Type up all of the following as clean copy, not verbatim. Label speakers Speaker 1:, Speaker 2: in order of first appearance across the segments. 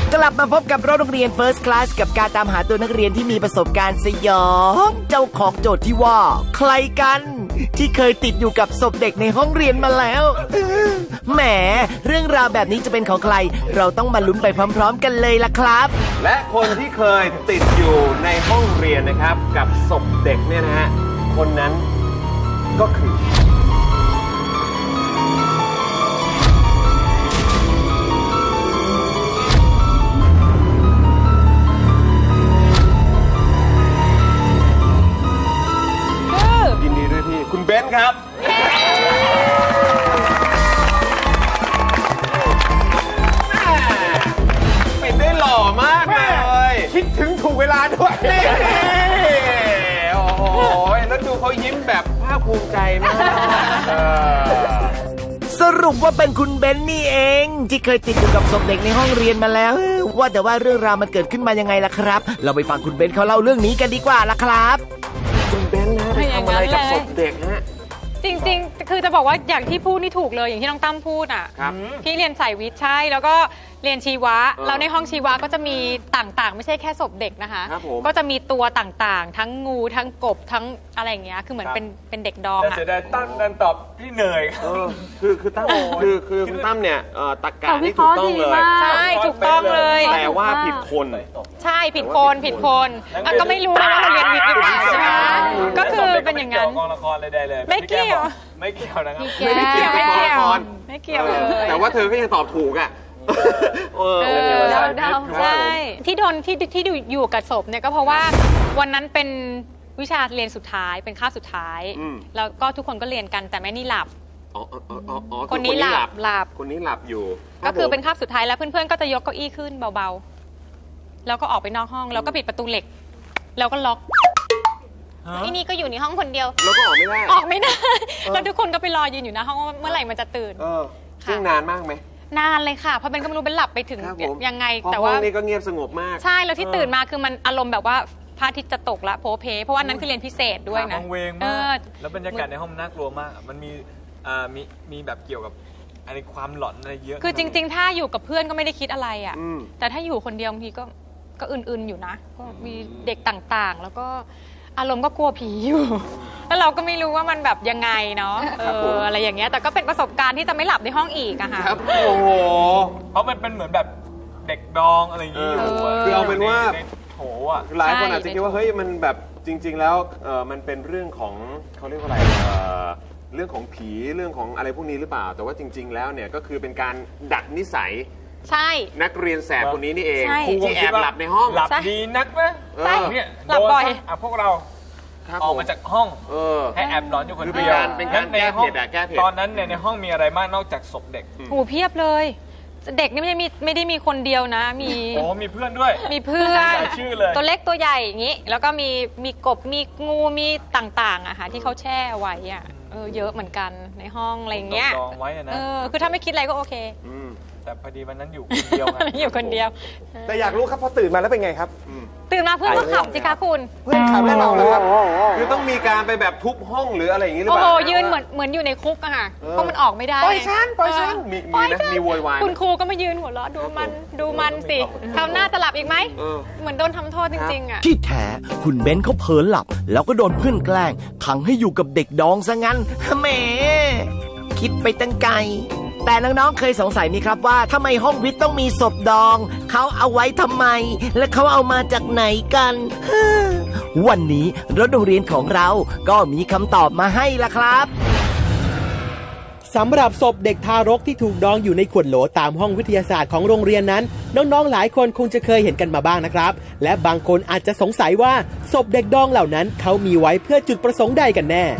Speaker 1: กลับมาพบกับรถโรงเรียน First Class กับการตามหาตัวนักเรียนที่มีประสบการณ์สยองเจ้าของโจทย์ที่ว่าใครกันที่เคยติดอยู่กับศพเด็กในห้องเรียนมาแล้วแหมเรื่องราวแบบนี้จะเป็นของใครเราต้องมาลุ้นไปพร้อมๆกันเลยล่ะครับ
Speaker 2: และคนที่เคยติดอยู่ในห้องเรียนนะครับกับศพเด็กเนี่ยนะฮะคนนั้นก็คือยินดีด้วยพี่คุณเบนซ์ครับเป็นได้หล่อมากเลยคิดถึงถูกเวลาด้วยโอ้โหแล้วดูเขายิ้มแบบภาคภูมิใจมาก
Speaker 1: สรุปว่าเป็นคุณเบนนี่เองที่เคยติดอยู่กับศพเด็กในห้องเรียนมาแล้วว่าแต่ว่าเรื่องราวมันเกิดขึ้นมายังไงล่ะครับเราไปฟังคุณเบนเขาเล่าเรื่องนี้กันดีกว่าล่ะครับ
Speaker 2: คุณเบนนะทำอะไรกับศพเด็กฮะ
Speaker 3: จริงๆคือจะบอกว่าอย่างที่พูดนี่ถูกเลยอย่างที่น้องตั้มพูดอ่ะพี่เรียนสายวิทย์ใช่แล้วก็เรียนชีวะแล้วในห้องชีวะก็จะมีต่างๆไม่ใช่แค่ศพเด็กนะคะก็จะมีตัวต่างๆทั้งงูทั้งกบทั้งอะไรอย่างเงี้ยคือเหมือนเป็นเด็กดองอ่ะ
Speaker 4: แต่ได้ตั้มดันตอบพี่เหนื่อย
Speaker 2: คือตั้มคือคุณตั้มเนี่ยตรรกะที่ถูกต้องเลย
Speaker 3: ใช่ถูกต้องเลย
Speaker 2: แต่ว่าผิดคน
Speaker 3: ใช่ผิดคนก็ไม่รู้นะว่าเราเรียนวิทย์หรือเปล่าใช่ไหมก็คือเป็นอย่างนั้น
Speaker 4: กองละครเลยได้เลย
Speaker 3: ไม่เกี่ยว
Speaker 4: นะครับ
Speaker 2: ไม่เกี่ยว
Speaker 3: เลย
Speaker 2: แต่ว่าเธอก็ยังตอบถูกอ่ะ
Speaker 3: ใช่ที่โดนที่อยู่กับศพเนี่ยก็เพราะว่าวันนั้นเป็นวิชาเรียนสุดท้ายเป็นคาบสุดท้ายแล้วก็ทุกคนก็เรียนกันแต่แม่นี่หลับคนนี้หลับ
Speaker 2: คนนี้หลับอยู่
Speaker 3: ก็คือเป็นคาบสุดท้ายแล้วเพื่อนๆก็จะยกเก้าอี้ขึ้นเบาๆแล้วก็ออกไปนอกห้องแล้วก็ปิดประตูเหล็กแล้วก็ล็อกที่นี่ก็อยู่ในห้องคนเดียว
Speaker 2: แล้วก็ออกไม่ได้
Speaker 3: แล้วทุกคนก็ไปรอยืนอยู่หน้าห้องว่าเมื่อไหร่มันจะตื่น
Speaker 2: ซึ่งนานมากไหม
Speaker 3: นานเลยค่ะเพราะเป็นก็ไม่รู้เป็นหลับไปถึงยังไง
Speaker 2: แต่ว่าห้องนี้ก็เงียบสงบมาก
Speaker 3: ใช่แล้วที่ตื่นมาคือมันอารมณ์แบบว่าพระอาทิตย์จะตกละโพเพเพราะว่านั้นคือเรียนพิเศษด้วยนะ
Speaker 4: ห้องเวงมากแล้วบรรยากาศในห้องน่ากลัวมากมันมีแบบเกี่ยวกับอะไรความหลอนอะไรเยอะ
Speaker 3: คือจริงๆถ้าอยู่กับเพื่อนก็ไม่ได้คิดอะไรอ่ะแต่ถ้าอยู่คนเดียวบางทีก็อื่นๆอยู่นะก็มีเด็กต่างๆแล้วก็อารมณ์ก็กลัวผีอยู่แล้วเราก็ไม่รู้ว่ามันแบบยังไงเนาะอะไรอย่างเงี้ยแต่ก็เป็นประสบการณ์ที่จะไม่หลับในห้องอีกอะค่ะ
Speaker 2: โอ้โห
Speaker 4: เพราะมันเป็นเหมือนแบบเด็กดองอะไรอย่างงี้อยู่
Speaker 2: คือเอาเป็นว่า
Speaker 4: โถอ่ะ
Speaker 2: หลายคนอาจจะคิดว่าเฮ้ยมันแบบจริงๆแล้วมันเป็นเรื่องของเขาเรียกว่าอะไรเรื่องของผีเรื่องของอะไรพวกนี้หรือเปล่าแต่ว่าจริงๆแล้วเนี่ยก็คือเป็นการดัดนิสัย
Speaker 3: ใช่
Speaker 2: นักเรียนแสบคนนี้นี่เองที่แอบหลับในห้อง
Speaker 4: หลับดีนักไหม
Speaker 3: ใช่
Speaker 4: เนี่ย
Speaker 3: หลับบ่อย
Speaker 4: พวกเราออกมาจากห้องให้แอบนอนอยู่คนเดียว
Speaker 2: เป็นการแก้เผ็ด
Speaker 4: ตอนนั้นเนี่ยในห้องมีอะไรบ้างนอกจากศพเด็ก
Speaker 3: โอ้เพียบเลยเด็กนี่ไม่ได้มีคนเดียวนะ
Speaker 4: มีเพื่อนด้วย
Speaker 3: มีเพื่อน
Speaker 4: ชื่อเลย
Speaker 3: ตัวเล็กตัวใหญ่อย่างนี้แล้วก็มีกบมีงูมีต่างๆอะค่ะที่เขาแช่ไว้อะเยอะเหมือนกันในห้องอะไรเงี้ย
Speaker 4: ไว้นะ
Speaker 3: คือถ้าไม่คิดอะไรก็โอเค
Speaker 4: แต่พอดีวันนั้นอยู่คนเดียว
Speaker 3: อยู่คนเดียว
Speaker 2: แต่อยากรู้ครับพอตื่นมาแล้วเป็นไงครับ
Speaker 3: ตื่นมาเพื่อนก็ขับสิคะคุณ
Speaker 2: เพื่อนขับแน่นอนเลยครับคือต้องมีการไปแบบทุบห้องหรืออะไรอย่างนี้หรือเปล่า
Speaker 3: โอ้โหยืนเหมือนอยู่ในคุกอะค่ะเพราะมันออกไม่ได้
Speaker 2: ปล่อยฉันมีโวยวาย
Speaker 3: คุณครูก็มายืนหัวเราะดูมันสิคราวหน้าจะหลับอีกไหมเหมือนโดนทำโทษจริงๆอะ
Speaker 1: ที่แท้คุณเบนเขาเผลอหลับแล้วก็โดนเพื่อนแกล้งขังให้อยู่กับเด็กดองซะงั้นแหมคิดไปตั้งไกลแต่น้องๆเคยสงสัยไหมครับว่าทำไมห้องวิทย์ต้องมีศพดองเขาเอาไว้ทำไมและเขาเอามาจากไหนกันวันนี้รถโรงเรียนของเราก็มีคำตอบมาให้ละครับ
Speaker 5: สำหรับศพเด็กทารกที่ถูกดองอยู่ในขวดโหลตามห้องวิทยาศาสตร์ของโรงเรียนนั้นน้องๆหลายคนคงจะเคยเห็นกันมาบ้างนะครับและบางคนอาจจะสงสัยว่าศพเด็กดองเหล่านั้นเขามีไว้เพื่อจุดประสงค์ใดกันแน่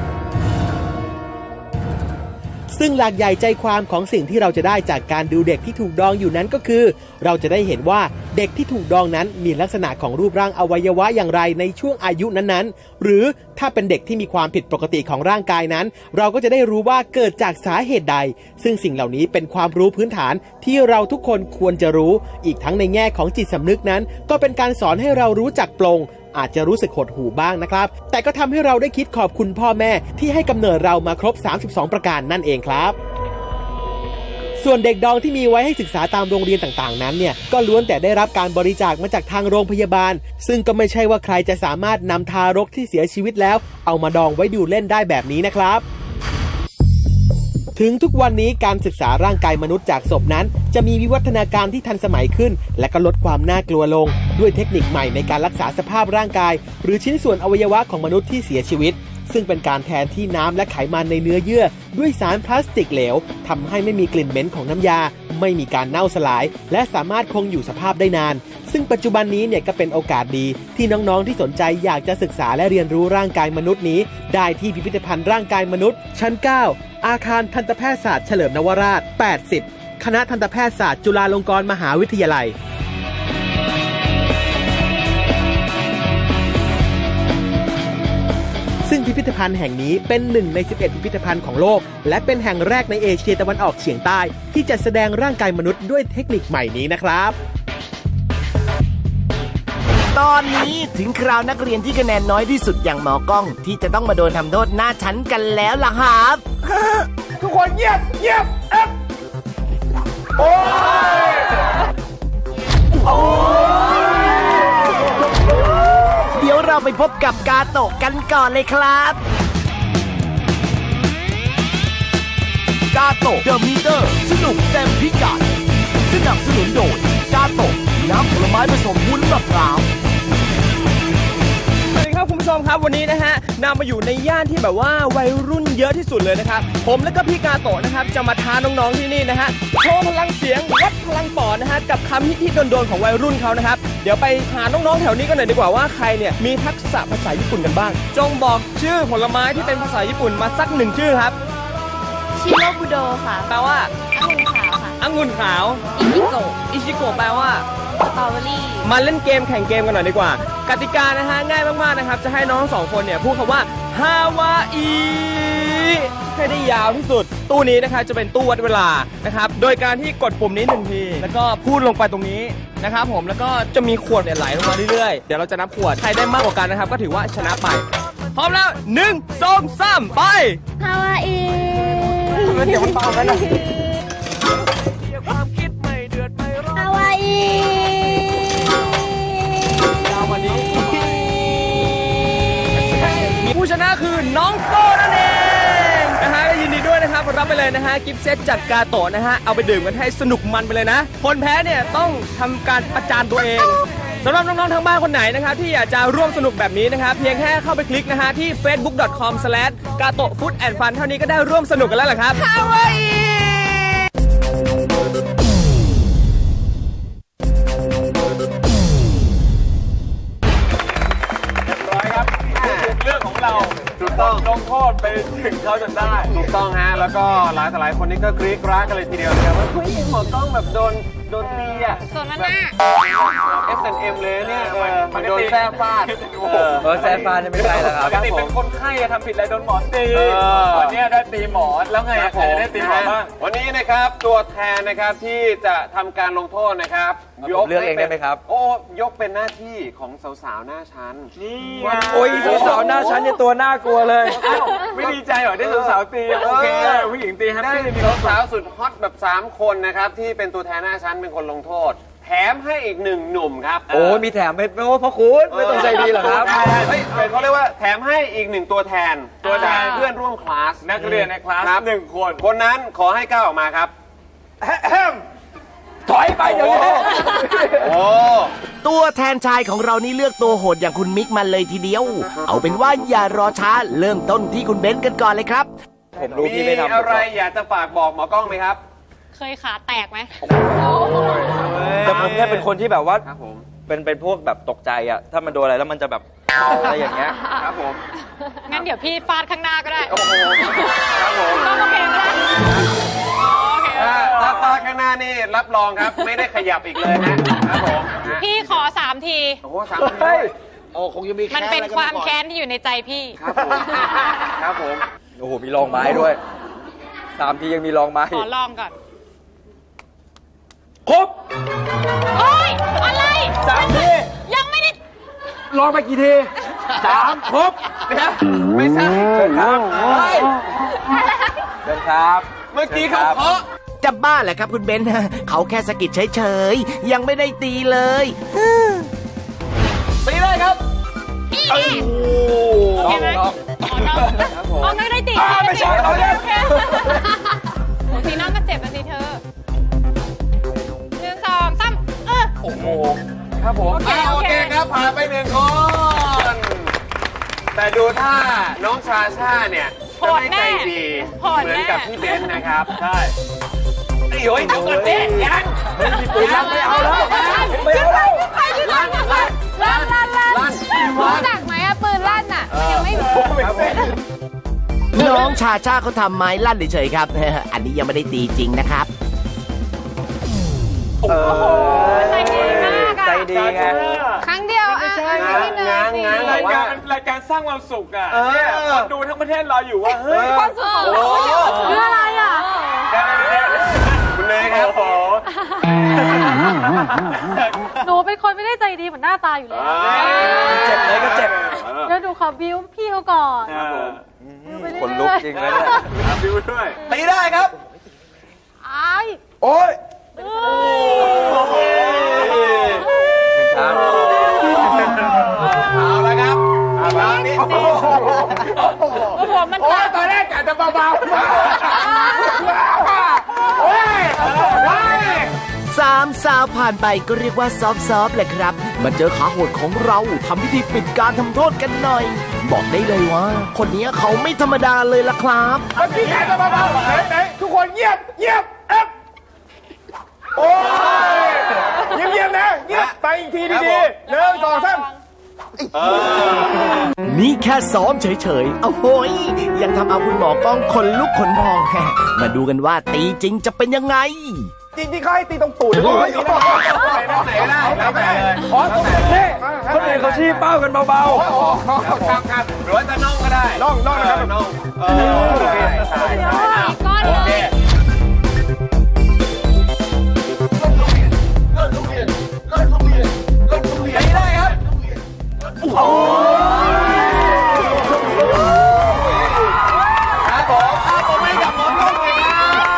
Speaker 5: ซึ่งหลักใหญ่ใจความของสิ่งที่เราจะได้จากการดูเด็กที่ถูกดองอยู่นั้นก็คือเราจะได้เห็นว่าเด็กที่ถูกดองนั้นมีลักษณะของรูปร่างอวัยวะอย่างไรในช่วงอายุนั้นๆหรือถ้าเป็นเด็กที่มีความผิดปกติของร่างกายนั้นเราก็จะได้รู้ว่าเกิดจากสาเหตุใดซึ่งสิ่งเหล่านี้เป็นความรู้พื้นฐานที่เราทุกคนควรจะรู้อีกทั้งในแง่ของจิตสำนึกนั้นก็เป็นการสอนให้เรารู้จักปลงอาจจะรู้สึกหดหู่บ้างนะครับแต่ก็ทำให้เราได้คิดขอบคุณพ่อแม่ที่ให้กำเนิดเรามาครบ32ประการนั่นเองครับส่วนเด็กดองที่มีไว้ให้ศึกษาตามโรงเรียนต่างๆนั้นเนี่ยก็ล้วนแต่ได้รับการบริจาคมาจากทางโรงพยาบาลซึ่งก็ไม่ใช่ว่าใครจะสามารถนำทารกที่เสียชีวิตแล้วเอามาดองไว้ดูเล่นได้แบบนี้นะครับถึงทุกวันนี้การศึกษาร่างกายมนุษย์จากศพนั้นจะมีวิวัฒนาการที่ทันสมัยขึ้นและก็ลดความน่ากลัวลงด้วยเทคนิคใหม่ในการรักษาสภาพร่างกายหรือชิ้นส่วนอวัยวะของมนุษย์ที่เสียชีวิตซึ่งเป็นการแทนที่น้ำและไขมันในเนื้อเยื่อด้วยสารพลาสติกเหลวทำให้ไม่มีกลิ่นเหม็นของน้ำยาไม่มีการเน่าสลายและสามารถคงอยู่สภาพได้นานซึ่งปัจจุบันนี้เนี่ยก็เป็นโอกาสดีที่น้องๆที่สนใจอยากจะศึกษาและเรียนรู้ร่างกายมนุษย์นี้ได้ที่พิพิธภัณฑ์ร่างกายมนุษย์ชั้น 9 อาคารทันตแพทยศาสตร์เฉลิมนวราช 80 คณะทันตแพทยศาสตร์จุฬาลงกรณ์มหาวิทยาลัยซึ่งพิพิธภัณฑ์แห่งนี้เป็น1 ใน 11 พิพิธภัณฑ์ของโลกและเป็นแห่งแรกในเอเชียตะวันออกเฉียงใต้ที่จะแสดงร่างกายมนุษย์ด้วยเทคนิคใหม่นี้นะครับ
Speaker 1: ตอนนี้ถึงคราวนักเรียนที่คะแนนน้อยที่สุดอย่างหมอกล้องที่จะต้องมาโดนทำโทษหน้าชั้นกันแล้วล่ะครับ
Speaker 2: ทุกคนเงียบโอ้ย
Speaker 1: เดี๋ยวเราไปพบกับกาโตะกันก่อนเลยครับกาโตะเดอะมีเตอร์สนุกเต็มพิกัดสนับสนุนโดยกาโตะน้ำผลไม้ผสมวุ้นมะพร้าว
Speaker 6: สวัสดีครับคุณผู้ชมครับวันนี้นะฮะนำมาอยู่ในย่านที่แบบว่าวัยรุ่นเยอะที่สุดเลยนะครับผมและก็พี่กาโตะนะครับจะมาท้าน้องๆที่นี่นะฮะโชว์พลังเสียงวัดพลังปอดนะฮะกับคำฮิตๆโดนๆของวัยรุ่นเขานะครับเดี๋ยวไปหาน้องๆแถวนี้กันหน่อยดีกว่าว่าใครเนี่ยมีทักษะภาษาญี่ปุ่นกันบ้างจงบอกชื่อผลไม้ที่เป็นภาษาญี่ปุ่นมาสัก1ชื่อครับ
Speaker 7: ชิโรบุโดค่ะ
Speaker 6: แปลว่า
Speaker 7: องุ่นขาวค่ะ
Speaker 6: องุ่นขาวอิชิโกะแปลว่า
Speaker 7: สตรอเบอรี่
Speaker 6: มาเล่นเกมแข่งเกมกันหน่อยดีกว่ากติกานะฮะง่ายมากๆนะครับจะให้น้อง2คนเนี่ยพูดคำว่าฮาวาอีให้ได้ยาวที่สุดตู้นี้นะครับจะเป็นตู้วัดเวลานะครับโดยการที่กดปุ่มนี้1ทีแล้วก็พูดลงไปตรงนี้นะครับผมแล้วก็จะมีขวดเนี่ยไหลลงมาเรื่อยๆเดี๋ยวเราจะนับขวดใครได้มากกว่ากันนะครับก็ถือว่าชนะไปพร้อมแล้ว1 2 3ไป
Speaker 7: ฮาวาอี
Speaker 6: เดี๋ยวมันเบาแล้วนะ
Speaker 7: ฮาวาอี
Speaker 6: ผู้ชนะคือน้องโก้นั่นเองนะฮะยินดีด้วยนะครับรับไปเลยนะฮะกิฟต์เซตจากกาโตะนะฮะเอาไปดื่มกันให้สนุกมันไปเลยนะคนแพ้เนี่ยต้องทำการประจานตัวเองสำหรับน้องๆทางบ้านคนไหนนะครับที่อยากจะร่วมสนุกแบบนี้นะครับเพียงแค่เข้าไปคลิกนะฮะที่ facebook.com/gatofoodandfun เท่านี้ก็ได้ร่วมสนุกกันแล้วแหละครับฮาวาอี
Speaker 2: เรื่องของเราถูกต้องลงโทษไปถึงเขาจนได้ถูกต้องฮะแล้วก็หลายคนนี่ก็กรี๊ดกราดกันเลยทีเดียวนะครับว่าเฮ้ยหมอกล้องแบบโดนตีอ่ะ
Speaker 3: ส่วนนั้นน่ะ
Speaker 2: S&M เลยเนี่ยมันโดนแซ่ฟาด
Speaker 4: แซ่ฟาดไม่ใช่แล้วครับ
Speaker 2: ปกติเป็นคนไข้ทำผิดอะไรโดนหมอตีวันนี้ได้ตีหมอแล้วไงใครได้ตีหมอบ้างวันนี้นะครับตัวแทนนะครับที่จะทำการลงโทษนะครับ
Speaker 4: เลือกเองได้ไหมครับ
Speaker 2: โอ้ยกเป็นหน้าที่ของสาวๆหน้าชั้น
Speaker 4: นี่โอ้ยสาวๆหน้าชั้นเนี่ยตัวน่ากลัวเลย
Speaker 2: ไม่ดีใจเหรอได้สาวๆตีโอเคผู้หญิงตีได้มีสาวสุดฮอตแบบ3คนนะครับที่เป็นตัวแทนหน้าชั้นเป็นคนลงโทษแถมให้อีก1 หนุ่มครับ
Speaker 4: โอ้มีแถมไม่โอ้พ่อคุณไม่ต้องใจดีหรอครับ
Speaker 2: เขาเรียกว่าแถมให้อีก1 ตัวแทนเพื่อนร่วมคลาส
Speaker 4: นักเรียนในคลาส1
Speaker 2: คนนั้นขอให้ก้าวออกมาครับ
Speaker 6: ถอยไปเดี๋ยวนี้
Speaker 1: โอ้ตัวแทนชายของเรานี่เลือกตัวโหดอย่างคุณมิกมาเลยทีเดียวเอาเป็นว่าอย่ารอช้าเริ่มต้นที่คุณเบนซ์กันก่อนเลยครับ
Speaker 2: ผมรู้พี่ไม่ทำมีอะไรอยากจะฝากบอกหมอกล้องไหมครับ
Speaker 3: เคยขาแตกไหม
Speaker 4: แต่ผมเนี่ยเป็นคนที่แบบว่าเป็นพวกแบบตกใจอ่ะถ้ามันโดนอะไรแล้วมันจะแบบอะไรอย่างเงี้ย
Speaker 2: ครับผม
Speaker 3: งั้นเดี๋ยวพี่ฟาดข้างหน้าก็ได้
Speaker 2: โอ้โหครับผม
Speaker 3: ก็โอเคก็ได้
Speaker 2: ถ้าฟาดข้างหน้านี่รับรองครับไม่ได้ขยับอีกเลยนะครับผม
Speaker 3: พี่ขอ3 ที
Speaker 2: โอ้โห3 ที
Speaker 1: โอ้คงจะมี
Speaker 3: มันเป็นความแค้นที่อยู่ในใจพี่
Speaker 2: ครับผม
Speaker 4: โอ้โหมีรองไม้ด้วย3 ทียังมีรองไม้
Speaker 3: ขอลองก่อน
Speaker 4: ครบ
Speaker 3: โอ้ยอะไร
Speaker 4: 3 ที
Speaker 3: ยังไม่ได้
Speaker 4: ลองไปกี่ที3ครบ
Speaker 2: นะไม่ใช่
Speaker 4: ครับเดินครับ
Speaker 2: เมื่อกี้เขาเคาะ
Speaker 1: จะบ้าแหละครับคุณเบนเขาแค่สะกิดเฉยๆยังไม่ได้ตีเลย
Speaker 2: ตีได้ครับ
Speaker 3: โอเคไหมน้องไม่ได้ตีไม่ใช่โอเคสีน้องก็เจ็บนะสิเธอ1 2 3
Speaker 2: โอ้โหครับผมโอเคครับผ่านไป1 คนแต่ดูถ้าน้องชาชาเนี่ยจะไม่ใจดีเหมือนกับพี่เบนนะครับใช่โอ้ยเดี๋ยวก่อนเต้ยังปืนลั่นไม่เอาแล้วไม่เอาแล้วลั่น
Speaker 3: รู้จักไหมอะปืนลั่นอะยังไม่รู้
Speaker 1: น้องชาชาเขาทำไม้ลั่นเฉยๆครับอันนี้ยังไม่ได้ตีจริงนะครับ
Speaker 3: โอ้โหใจดีมากอะ
Speaker 4: ใจดีไง
Speaker 3: ครั้งเดียวอ่ะ
Speaker 2: งานรายการสร้างความสุขอ่ะเนี่ยคนดูทั้งประเทศรออยู่ว่าเฮ้ย
Speaker 3: ความสุขของเราคืออะไรอ่ะ
Speaker 2: คุณเนยครับ
Speaker 3: หนูเป็นคนไม่ได้ใจดีเหมือนหน้าตาอยู่แล้ว
Speaker 4: เจ็บเลยก็เจ็บ
Speaker 3: แล้วดูขอบิ้วพี่เขาก่อน
Speaker 4: คนลุกจริงเลย
Speaker 2: บิ้วด้วย
Speaker 4: ตีได้ครับ
Speaker 2: โอ้ยเอาละครับตอนนี้
Speaker 3: มัน
Speaker 2: ตอนแรกกะจะเบาๆ
Speaker 1: 3 สาวผ่านไปก็เรียกว่าซอฟๆเลยครับมาเจอขาโหดของเราทำพิธีปิดการทำโทษกันหน่อยบอกได้เลยว่าคนนี้เขาไม่ธรรมดาเลยล่ะครับ
Speaker 2: พี่แขกจะเบาๆไหนทุกคนเงียบโอ้ยเงียบนะเงียบไปอีกทีดีๆ1 2 3
Speaker 1: นี่แค่ซ้อมเฉยๆโอ้โหยังทำเอาคุณหมอกล้องขนลุกขนพองมาดูกันว่าตีจริงจะเป็นยังไง
Speaker 2: จริงๆเขาให้ตีตรงตูดเลยไหนก็ได้ตรงนี้
Speaker 4: คนอื่นเขาชี้เป้ากันเบา
Speaker 2: ๆครับหรือว่าจะน่องก็ได้น่องนะครับน่องโอเคได้ครับโอ้ครับผมไม่กับหมอต้นเลยนะ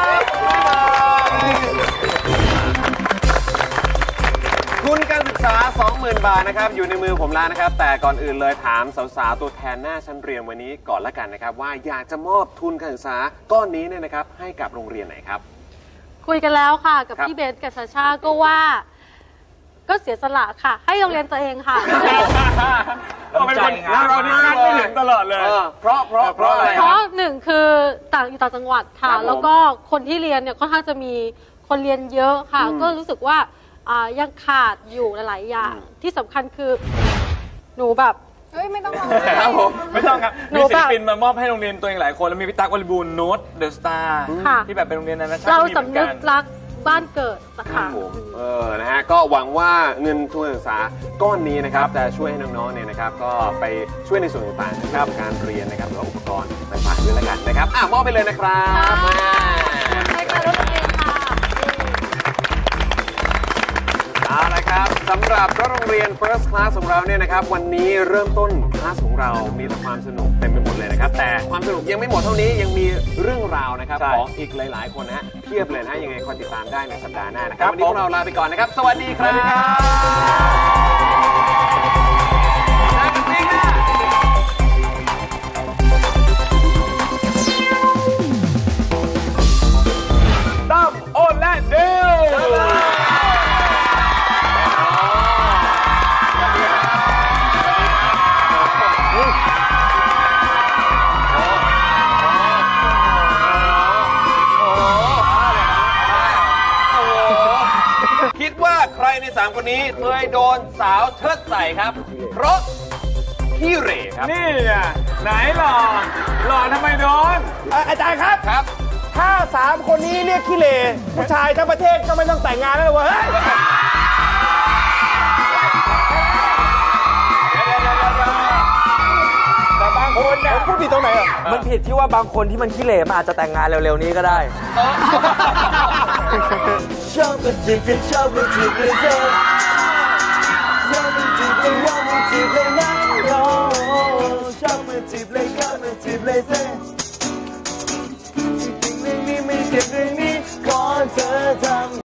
Speaker 2: ทุนการศึกษา 20,000 บาทนะครับอยู่ในมือผมแล้วนะครับแต่ก่อนอื่นเลยถามสาวๆตัวแทนหน้าชั้นเรียนวันนี้ก่อนละกันนะครับว่าอยากจะมอบทุนการศึกษาก้อนนี้เนี่ยนะครับให้กับโรงเรียนไหนครับ
Speaker 3: คุยกันแล้วค่ะกับพี่เบนกับชาชาก็ว่าก็เสียสละค่ะให้โรงเรียนตัวเองค่ะ
Speaker 2: เป็นคนเราที่คาดไม่ถึงตลอดเลยเพราะอะไร
Speaker 3: เพราะ1คืออยู่ต่างจังหวัดค่ะแล้วก็คนที่เรียนเนี่ยค่อนข้างจะมีคนเรียนเยอะค่ะก็รู้สึกว่ายังขาดอยู่หลายอย่างที่สำคัญคือหนูแบบไม่ต้อง
Speaker 6: ครับผมไม่ต้องครับมีศิลปินมามอบให้โรงเรียนตัวเองหลายคนแล้วมีพี่ตั๊กวลีบูลย์โน้ตเดอะสตาร์ที่แบบเป็นโรงเรียนนานาชาติ
Speaker 3: เราสำนึกรักบ้านเกิดนะคะ
Speaker 2: นะฮะก็หวังว่าเงินทุนการศึกษาก้อนนี้นะครับจะช่วยให้น้องๆเนี่ยนะครับก็ไปช่วยในส่วนต่างๆนะครับการเรียนนะครับหรือว่าอุปกรณ์ต่างๆด้วยละกันนะครับมอบไปเลยนะครับ
Speaker 3: ให้การรถเองค่ะ
Speaker 2: เอาละครับสำหรับรถโรงเรียน First Class ของเราเนี่ยนะครับวันนี้เริ่มต้นคลาสของเรามีแต่ความสนุกเต็มไปหมดเลยนะครับแต่ความสนุกยังไม่หมดเท่านี้ยังมีเรื่องราวนะครับของอีกหลายๆคนนะฮะเพียบเลยนะยังไงคอยติดตามได้ในสัปดาห์หน้านะครับวันนี้พวกเราลาไปก่อนนะครับสวัสดีครับตั้มโอนและเดลคิดว่าใครใน3คนนี้เคยโดนสาวเชิดใส่ครับเพราะขี้เหร่ครับ
Speaker 6: นี่ไงไหนหล่อทำไมโดน
Speaker 2: อาจารย์ครับถ้า3คนนี้เรียกขี้เหร่ผู้ชายทั้งประเทศก็ไม่ต้องแต่งงานแล้วเว้ยแต่บางคนเนี่ยพูดผิดตรงไหนอ่ะ
Speaker 4: มันผิดที่ว่าบางคนที่มันขี้เหร่มันอาจจะแต่งงานเร็วๆนี้ก็ได้ชอบมันจีบกันชอบมันจีบเลยเซ่ชอบมันจีบเลยว่ามันจีบเลยนะชอบมันจีบเลยก็มันจีบเลยเซ่จริงๆเรื่องนี้ไม่เจ็บเรื่องนี้ขอเธอทำ